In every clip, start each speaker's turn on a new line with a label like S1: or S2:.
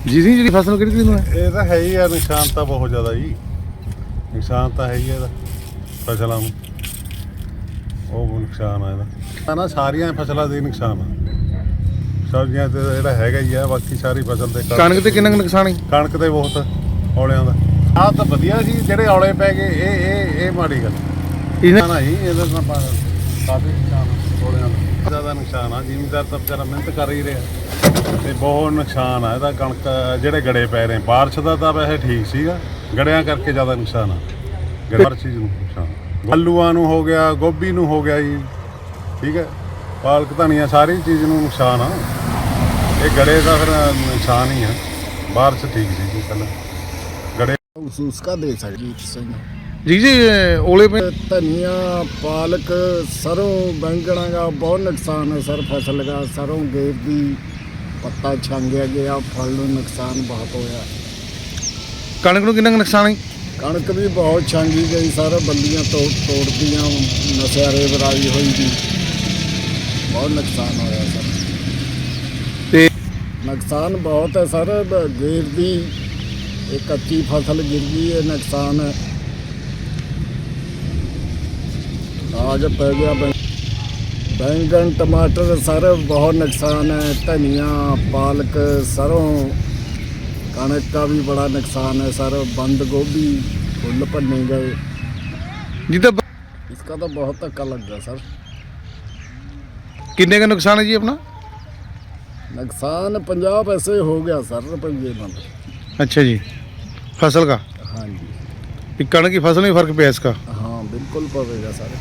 S1: ਜੀ ਜੀ ਜਿਹੜੀ ਫਸਲ ਕਿਹੜੀ ਨੂੰ ਹੈ
S2: ਇਹ ਤਾਂ ਹੈ ਹੀ ਆ, ਨੁਕਸਾਨ ਤਾਂ ਬਹੁਤ ਜ਼ਿਆਦਾ ਜੀ। ਨੁਕਸਾਨ ਤਾਂ ਹੈ ਹੀ ਇਹਦਾ ਫਸਲਾਂ ਨੂੰ, ਉਹ ਨੁਕਸਾਨ ਆ ਇਹਦਾ ਨਾ, ਸਾਰੀਆਂ ਫਸਲਾਂ ਦੇ ਨੁਕਸਾਨ ਆ। ਸਬਜ਼ੀਆਂ ਤੇ ਜਿਹੜਾ ਹੈਗਾ ਹੀ ਆ, ਬਾਕੀ ਸਾਰੀ ਫਸਲ ਤੇ
S1: ਕਣਕ ਤੇ ਕਿੰਨਾ ਕੁ ਨੁਕਸਾਨ ਹੈ?
S2: ਕਣਕ ਤੇ ਬਹੁਤ ਔਲਿਆਂ ਦਾ। ਆਹ ਤਾਂ ਵਧੀਆ ਸੀ, ਜਿਹੜੇ ਔਲੇ ਪੈ ਗਏ ਇਹ ਮਾੜੀ ਗੱਲ
S1: ਇਹਨਾਂ
S2: ਨਾ ਜੀ। ਇਹਦਾ ਤਾਂ ਕਾਫੀ ਨੁਕਸਾਨ ਔਲਿਆਂ ਦਾ, ਜ਼ਿਆਦਾ ਨੁਕਸਾਨ ਆ। ਜ਼ਿਮੀਂਦਾਰ ਤਾਂ ਵਿਚਾਰਾ ਮਿਹਨਤ ਕਰ ਹੀ ਰਿਹਾ ਤੇ ਬਹੁਤ ਨੁਕਸਾਨ ਆ ਇਹਦਾ। ਕਣਕ ਜਿਹੜੇ ਗੜੇ ਪੈ ਰਹੇ, ਬਾਰਿਸ਼ ਦਾ ਤਾਂ ਵੈਸੇ ਠੀਕ ਸੀਗਾ, ਗੜਿਆਂ ਕਰਕੇ ਜ਼ਿਆਦਾ ਨੁਕਸਾਨ ਆ। ਹਰ ਚੀਜ਼ ਨੂੰ ਨੁਕਸਾਨ, ਆਲੂਆਂ ਨੂੰ ਹੋ ਗਿਆ, ਗੋਭੀ ਨੂੰ ਹੋ ਗਿਆ ਜੀ, ਠੀਕ ਹੈ, ਪਾਲਕ ਧਨੀਆ, ਸਾਰੀ ਚੀਜ਼ ਨੂੰ ਨੁਕਸਾਨ ਆ। ਇਹ ਗੜੇ ਦਾ ਫਿਰ ਨੁਕਸਾਨ ਹੀ ਆ। ਬਾਰਿਸ਼ ਠੀਕ ਸੀ ਜੀ ਪਹਿਲਾਂ, ਗੜੇ
S3: महसूस का दे सकते
S1: जी जी ओले पे
S3: धनिया पालक सरों बैंगना का बहुत नुकसान है सर। फसल का सरों गेर दी पत्ता छांगया गया, फल नूं नुकसान बहुत होया।
S1: कणक नूं किन्ना कुं नुकसान है?
S3: कणक भी बहुत छांगी गई सर, बल्लियां तोड़ दियां, नशेरे बराई हुई थी, बहुत नुकसान होया सर।
S1: ते
S3: नुकसान बहुत है सर। गेर दी एक कच्ची फसल गिर गई है, नुकसान है। आज पै गया बैंगन टमाटर सर, बहुत नुकसान है। धनिया पालक सरों कणक का भी बड़ा नुकसान है सर। बंद गोभी फुल भन्ने गए,
S1: जिदा
S3: इसका तो बहुत धक्का लग गया सर।
S1: किन्ने का नुकसान है जी अपना?
S3: नुकसान 50 पैसे हो गया सर, रुपये बंद।
S1: अच्छा जी, फसल का?
S3: हाँ जी,
S1: कणक की फसल में फर्क पिया इसका?
S3: हाँ बिल्कुल पवेगा सर।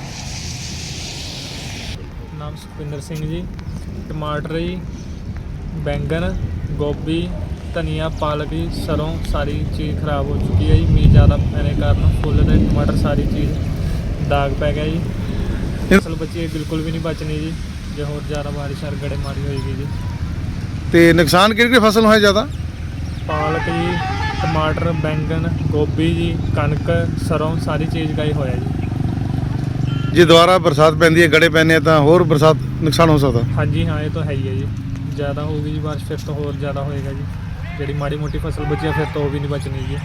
S4: नाम सुखविंदर सिंह जी। टमाटर जी, बैंगन, गोभी, धनिया, पालक जी, सरों सारी चीज़ खराब हो चुकी है जी। मीह ज़्यादा पैने कारण फुल ते टमाटर सारी चीज़ दाग पै गया जी। फसल बची बिल्कुल भी नहीं बचनी जी, जो होर ज़्यादा बारिश और गड़े मारी होएगी जी।
S1: ते नुकसान किहड़ी फसल है ज़्यादा?
S4: पालक जी, टमाटर, बैंगन, गोभी जी, कणक, सरों सारी चीज़ का ही होया जी।
S1: जे दोबारा बरसात पैंदी है, गड़े पैने तो होर बरसात नुकसान हो सकता?
S4: हाँ जी हाँ, ये तो है ही है जी। ज़्यादा होगी जी बारिश, फिर तो होर ज़्यादा होएगा जी। जी माड़ी मोटी फसल बची है फिर तो वो भी नहीं बचनी जी।